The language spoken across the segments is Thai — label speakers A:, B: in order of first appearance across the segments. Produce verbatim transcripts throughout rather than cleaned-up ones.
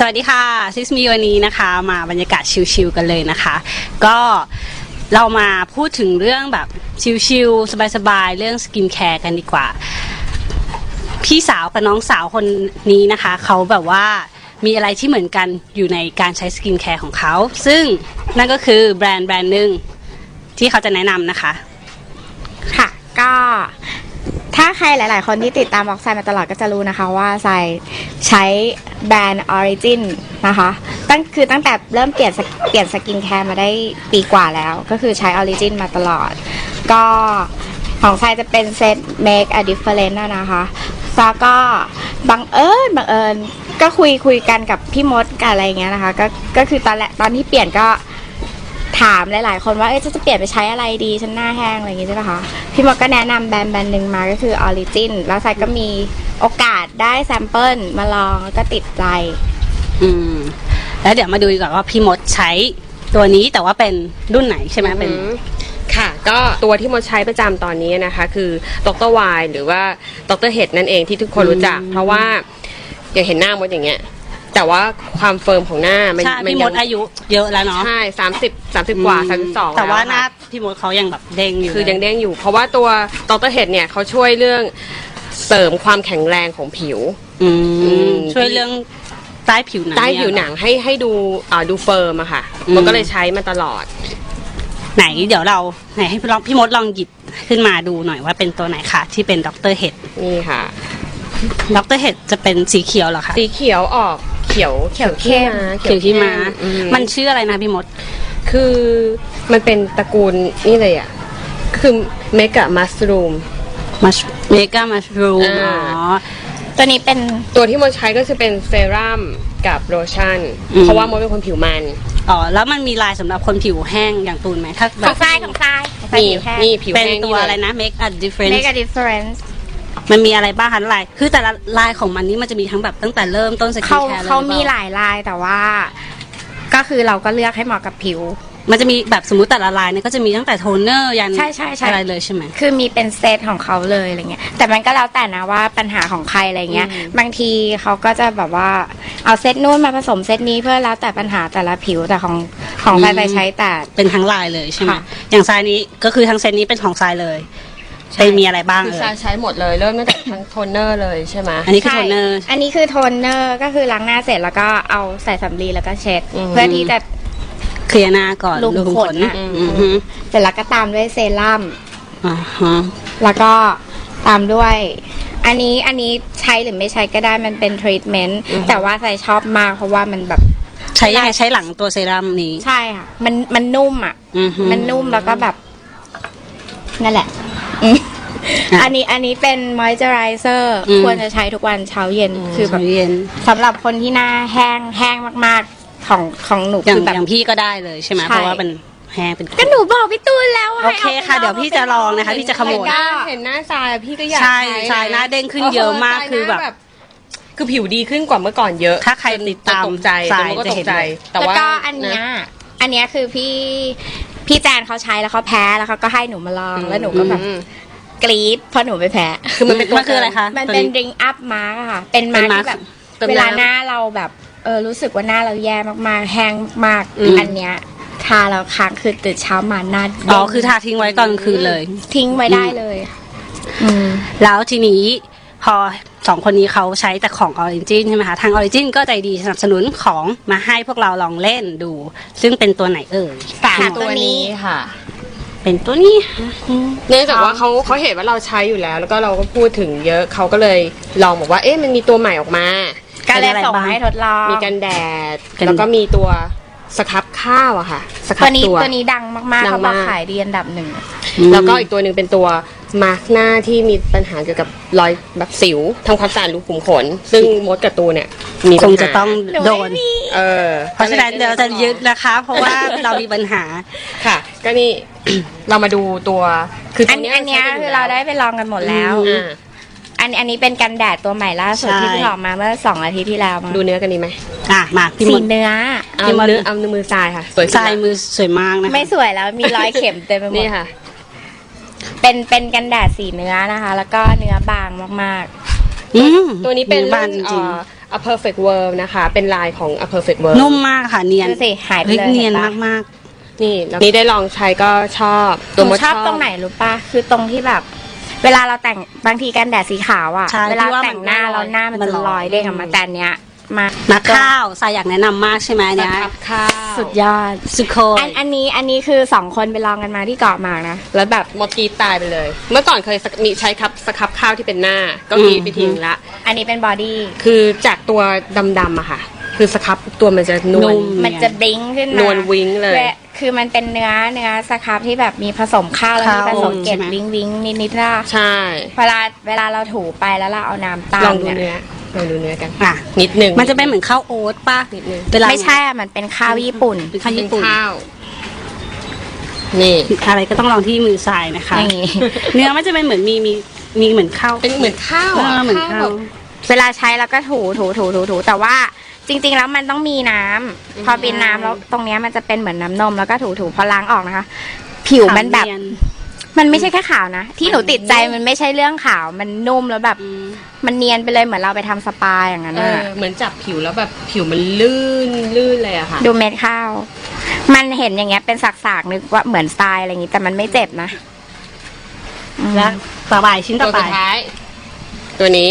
A: สวัสดีค่ะซิสมีวันนี้นะคะมาบรรยากาศชิลๆกันเลยนะคะก็เรามาพูดถึงเรื่องแบบชิลๆสบายๆเรื่องสกินแคร์กันดีกว่าพี่สาวกับน้องสาวคนนี้นะคะเขาแบบว่ามีอะไรที่เหมือนกันอยู่ในการใช้สกินแคร์ของเขาซึ่งนั่นก็คือแบรนด์แบรนด์หนึ่งที่เขาจะแนะนำนะคะ
B: ค่ะก็ถ้าใครหลายๆคนที่ติดตามบ็อกไซมาตลอดก็จะรู้นะคะว่าไซใช้แบรนด์ Origin นะคะตั้งคือตั้งแต่เริ่มเปลี่ยนเปลี่ยนสกินแคร์มาได้ปีกว่าแล้วก็คือใช้ Origin มาตลอดก็ของไซจะเป็นเซต Make a Difference นะคะแล้วก็บังเอิญบังเอิญก็คุยคุยกันกับพี่มดกันอะไรอย่างเงี้ยนะคะก็ก็คือตอนแรกตอนที่เปลี่ยนก็ถามหลายๆคนว่าเอ๊ะจะเปลี่ยนไปใช้อะไรดีฉันหน้าแห้งอะไรอย่างงี้ใช่ไหมคะพี่มดก็แนะนำแบรนด์แบรนด์หนึ่งมาก็คือ Origin แล้วไซก็มีโอกาสได้แซมเปิลมาลองแล้วก็ติดใจ
A: อืมแล้วเดี๋ยวมาดูดีกว่าว่าพี่มดใช้ตัวนี้แต่ว่าเป็นรุ่นไหนใช่ไหมเป็น
C: ค่ะก็ตัวที่มดใช้ประจำตอนนี้นะคะคือดรวายหรือว่าดรเฮดนั่นเองที่ทุกคนรู้จักเพราะว่าอย่างเห็นหน้ามดอย่างเงี้ยแต่ว่าความเฟิร์มของหน้ามัน
A: พี่มดอายุเยอะแล้วเนาะ
C: ใช่สามสิบสามสิบกว่าสามสิบสอง
A: แต่ว่าหน้าพี่มดเขายังแบบเด้งอยู่
C: คือยังเด้งอยู่เพราะว่าตัวดรเฮดเนี่ยเขาช่วยเรื่องเสริมความแข็งแรงของผิว
A: ช่วยเรื่องใต้ผิวหนัง
C: ใต้ผิวหนังให้ให้ดูอ่าดูเฟิร์มอะค่ะมันก็เลยใช้มาตลอด
A: ไหนเดี๋ยวเราไหนให้พี่ลองพี่มดลองหยิบขึ้นมาดูหน่อยว่าเป็นตัวไหนคะที่เป็นดรเฮด
C: นี่ค่ะ
A: ดรเฮดจะเป็นสีเขียวเหรอคะ
C: สีเขียวออกเขียว
A: เขียวเข้มเขียวขี้ม้ามันชื่ออะไรนะพี่มด
C: คือมันเป็นตระกูลนี่เลยอ่ะคือเมกะมัสรูม
A: มัสเมกะมัสรูมอ๋อ
B: ตัวนี้เป็น
C: ตัวที่มดใช้ก็จะเป็นเซรั่มกับโลชั่นเพราะว่ามดเป็นคนผิวมัน
A: อ๋อแล้วมันมีลายสำหรับคนผิวแห้งอย่างตูนไหมถ้า
B: แบบของทรายของทราย
C: มีมีผิว
A: แห้งเป็นตัวอะไรนะ make a difference
B: make a difference
A: มันมีอะไรบ้างคะลายคือแต่ละลายของมันนี่มันจะมีทั้งแบบตั้งแต่เริ่มต้นสกินแคร์เลย
B: เขามีหลายลายแต่ว่าก็คือเราก็เลือกให้เหมาะกับผิว
A: มันจะมีแบบสมมุติแต่ละลายเนี่ยก็จะมีตั้งแต่โทนเนอร์ยัน
B: ใช่ใช่ใช่
A: อะไรเลยใช่ไหม
B: คือมีเป็นเซตของเขาเลยอะไรเงี้ยแต่มันก็แล้วแต่นะว่าปัญหาของใครอะไรเงี้ยบางทีเขาก็จะแบบว่าเอาเซตนู้นมาผสมเซตนี้เพื่อแล้วแต่ปัญหาแต่ละผิวแต่ของของทรายใช้แต่
A: เป็นทั้งลายเลยใช่ไหมอย่างทรายนี้ก็คือทั้งเซตนี้เป็นของทรายเลยใช้มีอะไรบ้าง
C: คือทรายใช้หมดเลยเริ่มตั้งแต่ทั้งโทนเนอร์เลยใช่ไหม
A: อันนี้คือโทนเนอร์
B: อันนี้คือโทนเนอร์ก็คือล้างหน้าเสร็จแล้วก็เอาใส่สำลีแล้วก็เช็ดเพื่อที่จะ
A: เคลียร์หน้าก่อน
B: ลุมขนนะเสร็จแล้วก็ตามด้วยเซรั่มแล้วก็ตามด้วยอันนี้อันนี้ใช้หรือไม่ใช้ก็ได้มันเป็นทรีทเมนต์แต่ว่าใส่ชอบมากเพราะว่ามันแบบ
A: ใช้ยังไงใช้หลังตัวเซรั่มนี้
B: ใช่ค่ะมันมันนุ่มอ่ะมันนุ่มแล้วก็แบบนั่นแหละอันนี้อันนี้เป็นมอยเจอไรเซอร์ควรจะใช้ทุกวันเช้าเย็นคือแบบสำหรับคนที่หน้าแห้งแห้งมากๆของของหนู
A: คือแบบอย่างพี่ก็ได้เลยใช่ไหมเพราะว่าเป็นแห้งเป็น
B: ก็หนูบอกพี่ตูนแล้ว
A: โอเคค่ะเดี๋ยวพี่จะลองนะคะพี่จะขโมย
C: เห็นหน้าทรายพี่ก็อยาก
A: ใช่ทรายหน้าเด้งขึ้นเยอะมากคือแบบ
C: คือผิวดีขึ้นกว่าเมื่อก่อนเยอะ
A: ถ้าใครติดตาม
C: ใจทรายจะเห็น
B: แต่ว่าอันเนี้ยอันเนี้ยคือพี่พี่แจนเขาใช้แล้วเขาแพ้แล้วเขาก็ให้หนูมาลองแล้วหนูก็แบบกรี๊ดเพราะหนูไปแพ้
A: คือมันเป็นมันคืออะไรคะ
B: มันเป็นดริงอัพมาร์กค่ะเป็นมาร์กที่แบบเวลาหน้าเราแบบเออรู้สึกว่าหน้าเราแย่มากๆแห้งมากๆอันเนี้ยทาแล้วค้างคือตื่นเช้ามาหน้า
A: อ๋อคือทาทิ้งไว้ตอนกลางคืนเลย
B: ทิ้งไว้ได้เลย
A: อืมแล้วทีนี้พอสองคนนี้เขาใช้แต่ของ Origin ใช่ไหมคะทาง Origin ก็ใจดีสนับสนุนของมาให้พวกเราลองเล่นดูซึ่งเป็นตัวไหนเอ่ย
B: สามตัวนี้ค่ะ
A: เป็นตัวนี้
C: เนื่องจากว่าเขาเขาเห็นว่าเราใช้อยู่แล้วแล้วก็เราก็พูดถึงเยอะเขาก็เลยลองบอกว่าเอ๊ะมันมีตัวใหม่ออกมา
B: ก็เลยส่งให้ทดลอง
C: มีกันแดดแล้วก็มีตัวสครับข้าวอะค่ะสครับ
B: ตัวนี้ตัวนี้ดังมากๆเขาบอกขายดีอันดับหนึ่ง
C: แล้วก็อีกตัวหนึ่งเป็นตัวมาร์กหน้าที่มีปัญหาเกี่ยวกับรอยแบบสิวทำความสะอาดรูขุมขนซึ่งมดกับตูเนี่ย
A: มีคงจะต้องโดน
C: เออ
A: เพราะฉะนั้นเดี๋ยวจะยึดนะคะเพราะว่าเรามีปัญหา
C: ค่ะก็นี่เรามาดูตัว
B: คืออันนี้อันนี้คือเราได้ไปลองกันหมดแล้วอันอันนี้เป็นกันแดดตัวใหม่ล่าสุดที่เพิ่งออกมาเมื่อสองอาทิตย์ที่แล้ว
C: ดูเนื้อกันดีไหม
A: อ่ะมา
B: สีเนื้อ
C: เอาเนื้อเอามือทรายค่ะ
A: สวยทรายมือสวยมากนะ
B: ไม่สวยแล้วมีรอยเข็มเต็มไปหมด
C: นี่ค่ะ
B: เป็นเป็นกันแดดสีเนื้อนะคะแล้วก็เนื้อบางมาก
C: ๆตัวนี้เป็น A Perfect World นะคะ เป็นลายของ A Perfect World
A: นุ่มมากค่ะเนียน
B: ดูสิหายไป
A: ฮ้
B: เลย
A: เนียน
B: ห็ปะ
A: มาก
C: นี่แล้วนี่ได้ลองใช้ก็ชอบ
B: ห
C: ตัว
B: นู
C: มด
B: ชอบตรงไหนรู้ปะคือตรงที่แบบ เวลาเราแต่งบางทีกันแดดสีขาวอะ
A: ใช่
B: เวลา
A: ที่ว่า
B: แต่งหน้า
A: มัน
B: เราหน้ามัน
A: มัน
B: จะ
A: ลอย
B: ลอยเด้งออกมา
A: อืม
B: แต่อันเนี้ยมา
A: ๆนักข้าวสายอยากแนะนำมากใช่ไหม
C: ส
A: เนี่ย
C: ครับข้าว
B: สุดยอด
A: สุโคย
B: อันอันนี้อันนี้คือสองคนไปลองกันมาที่เกาะหมากนะแล้วแบบ
C: หมดกรีดตายไปเลย เมื่อก่อนเคยสกมีใช้ครับสครับข้าวที่เป็นหน้า ก็กรีดไปทิ้งละ
B: อันนี้เป็นบอดี้
C: คือจากตัวดำๆอะค่ะ คือสครับตัวมันจะนวล
A: นุ่ม
B: มันจะบลิงขึ้นมาน
C: วลวิ้งเลย
B: และคือมันเป็นเนื้อเนื้อสครับที่แบบมีผสมข้าวแล้วมีผ
A: ข้าว
B: สมเกล็ด
A: ใช่ไหม
B: วิ้งวิ้งนิดนิดๆนะ
C: ใช่
B: เวลาเวลาเราถูไปแล้วเราเอาน้ำตา
C: ล
B: ล
C: องดู
B: เนี่ย
C: เนื้อลองดูเนื้อกัน
A: อ่ะ
C: นิดหนึ่ง
A: มันจะเป็นเหมือนข้าวโอ๊ตป่ะ
C: นิดนึง
A: เวลา
B: ไม่ใช่อะมันเป็นข้าวญี่ปุ่น
A: เป็นข้าว
C: เป็
A: ญี่
C: น
A: ปุ่น
C: ข้าว นี่
A: อะไรก็ต้องลองที่มือทรายนะคะ
B: อย่างงี้
A: เนื้อมันจะเป็นเหมือนมีมีมีเหมือนข้าว
C: เป็นเหมือนข้าว
A: เอ
C: อะ
A: อเหมือนข้าว
C: แบบ
B: เวลาใช้แล้วก็ถูถูถูถูถูแต่ว่าจริง ๆ แล้วมันต้องมีน้ำพอเป็นน้ำแล้วตรงเนี้ยมันจะเป็นเหมือนน้ำนมแล้วก็ถูถูพอล้างออกนะคะ ผิวมันแบบ
A: ขาวเย
B: มันไม่ใช่แค่ขาวนะ ที่หนูติดใจมันไม่ใช่เรื่องขาวมันนุ่มแล้วแบบ
A: อืม
B: มันเนียนไปเลยเหมือนเราไปทำสปาอย่างนั้น
C: เอ
B: น่ะ
C: อเหมือนจับผิวแล้วแบบผิวมันลื่นลื่นเลยอะค่ะ
B: ดูเม็ดข้าว มันเห็นอย่างเงี้ยเป็นสักๆนึกว่าเหมือนสไตล์อะไรอย่างงี้แต่มันไม่เจ็บนะอืม
A: และต่อไปชิ้นต่
C: ตั
A: อ
C: ว
A: ไป
C: สุดท้าย ตัวนี้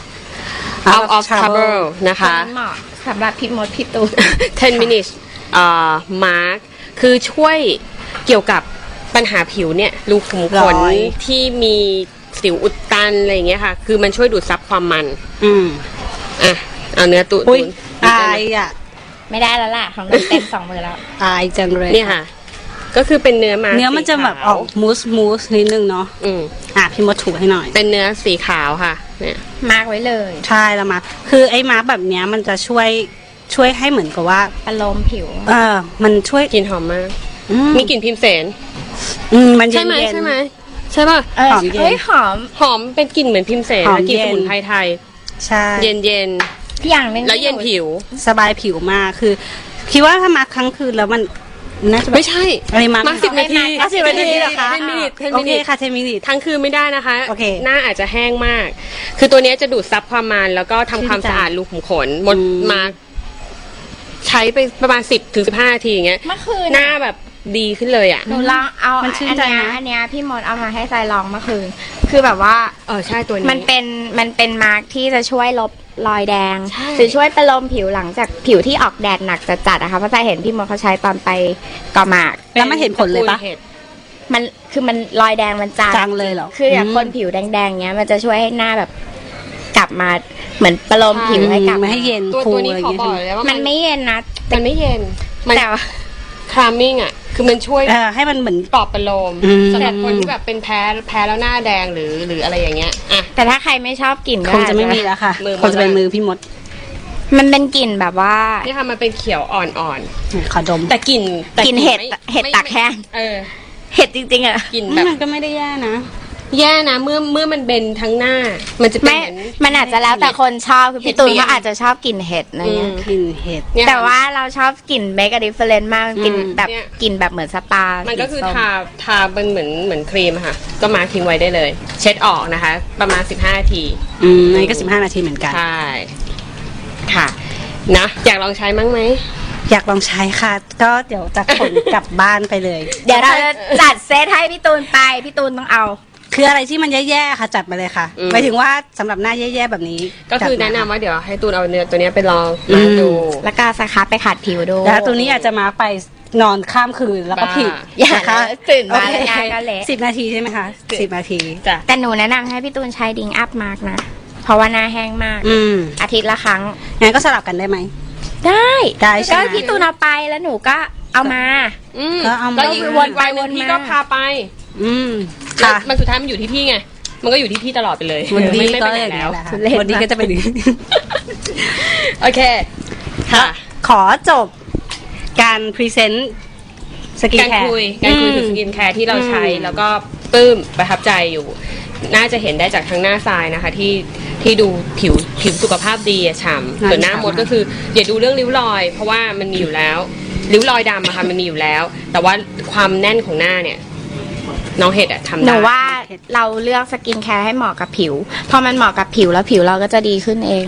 C: out of trouble นะคะ
B: เหมาะสำหรับพี่มดพี่ตูน
C: ten minutes เอ่อ mark คือช่วยเกี่ยวกับปัญหาผิวเนี่ยรูขุมขน
A: รอย
C: ที่มีสิวอุดตันอะไรอย่างเงี้ยค่ะ คือมันช่วยดูดซับความมัน
A: อืม
C: อ่ะ เอาเนื้อตุ
A: อุ้ย
C: ตุน
A: อายอ่ะ
B: ไม่ได้แล้วล่ะของหนูเต็มสองมือแล้ว
A: อายจังเลย
C: นี่ค่ะ ก็คือเป็นเนื้อมา
A: เนื้อมันจะแบบออกมูสมูสนิดนึงเนาะ
C: อืม
A: อ่ะพี่มดถูให้หน่อย
C: เป็นเนื้อสีขาวค่ะ เนี่ย
B: มากไว้เลย
A: ใช่แล้วมา คือไอ้มาร์คแบบเนี้ยมันจะช่วยช่วยให้เหมือนกับว่า
B: อารมณ์ผิว
A: เออ มันช่วย
C: กลิ่นหอมมาก
A: อืม
C: มีกลิ่นพิมเสน
A: อืมมันเย็
C: ใช่
A: น
C: ไหม
A: เย็น
C: ใช่ไหมใช่ป่ะ
B: เออ
A: หอมเย็น
B: เฮ้ยหอม
C: หอมเป็นกลิ่นเหมือนพิมเสน
A: หอม
C: นะกลิ่น
A: เย็
C: ส
A: น
C: มุนไพรไทย
A: ใช่
C: เย็นเย็น
B: อย่างหนึง
C: ๆแล้วเย็นผิว
A: สบายผิวมากคือ คิดว่าถ้ามาร์คครั้งคืนแล้วมันน่าจะแบบ
C: ไม่ใช่
A: อะไรมาร์ค
C: มาสิบนาที
A: อ่ะสิบนาทีเหรอคะ
C: เทนมินิทเทน
A: โอ
C: มิ
A: เค
C: นิท
A: ค่ะเทนมินิท
C: ทั้งคืนไม่ได้นะคะ
A: โอเค
C: หน้าอาจจะแห้งมาก คือตัวเนี้ยจะดูดซับความมันแล้วก็ทำความ
A: ชื่นใจ
C: สะอาดรูขุมขนหมด
A: อืม
C: มาใช้ไปประมาณสิบถึงสิบห้านาทีอย่างเงี้ย
B: เมื่อคืน
C: หน้าแบบดีขึ้นเลยอ่ะ
B: หนูลองเอา
A: มั
B: อั
A: น
B: น
A: ชื่น
B: เนี้
A: ใจ
B: ย
A: นะ
B: อันเนี้ยพี่มดเอามาให้ทรายลองเมื่อคืน คือแบบว่า
C: เออใช่ตัวนี้
B: มันเป็นมันเป็นมาร์กที่จะช่วยลบรอยแดง
C: ใช่
B: หรือช่วยประโลมผิวหลังจากผิวที่ออกแดดหนักจัดๆนะคะเพราะทรายเห็นพี่มดเขาใช้ตอนไปเกาะหมาก
A: แล้วมันเห็นผลเลยปะ
C: ตรห็ด
B: มันคือมันรอยแดงมันจาง
A: จางเลยเหรอ
B: คืออย่าง
A: อืม
B: คนผิวแดงๆเงี้ย มันจะช่วยให้หน้าแบบกลับมาเหมือนประโลมผิวให้กลับ
A: ไม่ให้เย็น
C: ตัว
A: ฟู
C: ตัวนี้
A: อะไรอ
C: ขอย่าง
A: เงี้
C: บอก
A: ย
C: เลยว่า
B: มั
C: มัน
B: ไม่เย็นนะ
C: มันไม่เย็นมัน
B: แต่ว่า
C: คลามมิ่งอ่ะ คือมันช่วย
A: เออให้มันเหมือน
C: ปลอบประโลม
A: อืม
C: สำหรับคนที่แบบเป็นแพ้แพ้แล้วหน้าแดงหรือหรืออะไรอย่างเงี้ยอ่ะ
B: แต่ถ้าใครไม่ชอบกลิ่นก็
A: คงจะไม่มีแล้วค่ะ
C: มือ
A: คงจะเป็นมือพี่มด
B: มันเป็นกลิ่นแบบว่า
C: นี่ค่ะมันเป็นเขียวอ่อน
A: ขอดม
C: ๆ แต่กลิ่นแต่
B: กลิ่นเห็ด
C: ไม่
B: เห็ด
C: ไม่
B: ตากแห้ง
C: เออ
B: เห็ดจริงๆอะ
C: กลิ่นแบบ
A: มันก็ไม่ได้แย่นะ
C: แย่นะเมื่อเมื่อมันเบนทั้งหน้า มันจะเป็น
B: ไม่
C: เหมือน
B: มันอาจจะแล้วแต่คนชอบคือพี่ตูนก็อาจจะชอบกลิ่นเห็ดอะไร
C: อื
B: เงี้
C: ม
B: ย
A: กลิ่นเห็ด
C: เนี่ย
B: แต่ว่าเราชอบกลิ่นเบกอะดิเฟเรนมากกลิ่น
A: อืม
B: แบบ
C: เนี่ย
B: กลิ่นแบบเหมือนสปา
C: มันก็คือ
B: สีส้
C: ทาทาเป็นเหมือนเหมือนครีมอะค่ะ ก็มาร์คทิ้งไว้ได้เลย เช็ดออกนะคะ ประมาณสิบห้านาที
A: อืมนี่ก็สิบห้านาทีเหมือนกัน
C: ใช่ ค่ะ นะ อยากลองใช้มั้งไหม
A: อยากลองใช้ค่ะ ก็เดี๋ยวจะขนกลับบ้านไปเลย
B: เดี๋ยวเราจะจัดเซตให้พี่ตูนไปพี่ตูนต้องเอา
A: คืออะไรที่มันแย่ๆค่ะ จัดมาเลยค่ะ
C: อืม
A: หมายถึงว่าสำหรับหน้าแย่ๆแบบนี้
C: ก็คือ
A: จัด
C: แนะ
A: ม
C: นำว่าเดี๋ยวให้ตูนเอาเนื้อตัวเนี้ยไปลอง
A: อื
C: มาม ดู
B: แล้วก็สครับไปขัดผิวดู
A: แล้วตัวนี้อาจจะมาไปนอนข้ามคืนแล้วก็
C: บ้า
A: ผิด
B: อย่า
A: นะคะ
B: ตื่นมา
A: โอ
B: แล้ว
A: เค
B: หน้าก็เละ
A: สิบนาทีใช่ไหมคะสิบนาที
C: จ้ะ
B: แต่หนูแนะนำให้พี่ตูนใช้ดิงอัพมาร์กนะ เพราะว่าหน้าแห้งมาก
A: อืม
B: อาทิตย์ละครั้ง
A: งั้นก็สลับกันได้ไหม
B: ได้
A: ได้ใช่
B: ก็
A: ไหม
B: พี่ตูนเอาไปแล้วหนูก็เอามา
C: อืม
A: ก็เอามา
C: ก็อีก
B: วนไป
C: วันหนึ่ง
B: วนมา
C: พี่ก็พาไป
A: อืม
C: แล้ว
A: ค่ะ
C: มันสุดท้ายมันอยู่ที่พี่ไง มันก็อยู่ที่พี่ตลอดไปเลย
A: วันนี้
C: ไม่
A: ก็
C: ไม่ไป
A: อ
C: ไหน
A: ย่าง
C: แล้
A: นี้
C: ว
A: แหละ
B: ทุเรศ
A: วันนี้ก็จะเป็นอย่างนี้
C: โอเค ค่ะ
A: ขอจบการพรีเซนต์สกิน
C: การ
A: แคร์
C: คุย การคุยถึงสกินแคร์ที่เราใช้
A: อืม
C: แล้วก็ปลื้มประทับใจอยู่ น่าจะเห็นได้จากทั้งหน้าทรายนะคะ ที่ที่ดูผิวผิวสุขภาพดีอะฉ่ำส่วนหน้ามดก็คือ อย่าดูเรื่องริ้วรอย เพราะว่ามันมีอยู่แล้ว ริ้วรอยดำอะค่ะมันมีอยู่แล้ว แต่ว่าความแน่นของหน้าเนี่ย น้องเห็ดอะทำ
B: ห
C: ได้
B: นูว่าเราเลือกสกินแคร์ให้เหมาะกับผิว พอมันเหมาะกับผิวแล้วผิวเราก็จะดีขึ้นเองค่ะ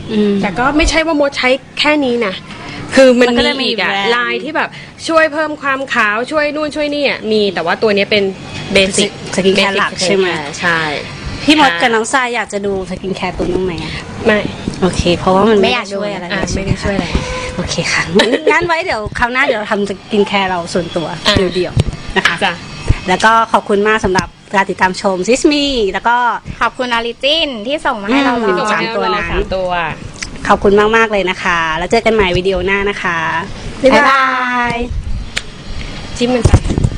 A: อืม
C: แต่ก็ไม่ใช่ว่ามดใช้แค่นี้นะคือมัน
A: มันก็
C: มี
A: จะมี
C: อีกอะ
A: แบรนด์
C: ลายที่แบบช่วยเพิ่มความขาวช่วยนู่นช่วยนี่อะมีแต่ว่าตัวนี้เป็นเบสิก
A: สกินแคร์หลักใช่ไหม
C: ใช่
A: พี่มด
C: ค่ะ
A: กับน้องทรายอยากจะดูสกินแคร์ตัวน้องไหมอะ
C: ไม่
A: โอเค เพราะว่ามัน
B: ไม่
A: ไม่
B: อยาก
A: ช่วยอะไร
C: อ่ะ
A: เลยใช่
C: ไม่
A: ไหม
C: ได้
A: คะ
C: ช่วยอะไร
A: โอเคค่ะ งั้นไว้เดี๋ยวคราวหน้าเดี๋ยวเราทำสกินแคร์เราส่วนตัว
C: อ่ะ
A: เดี่ยวๆนะคะ
C: จ้ะ
A: แล้วก็ขอบคุณมากสำหรับการติดตามชมซิสมีแล้วก็
B: ขอบคุณออริจินที่ส่งมาให้เราล
A: อื
B: อง
A: ม สามตัวนั้น
C: สามตัว
A: ขอบคุณมาก ๆ เลยนะคะ แล้วเจอกันใหม่วิดีโอหน้านะคะ
B: บ๊ายบาย
C: จิ้มมันไป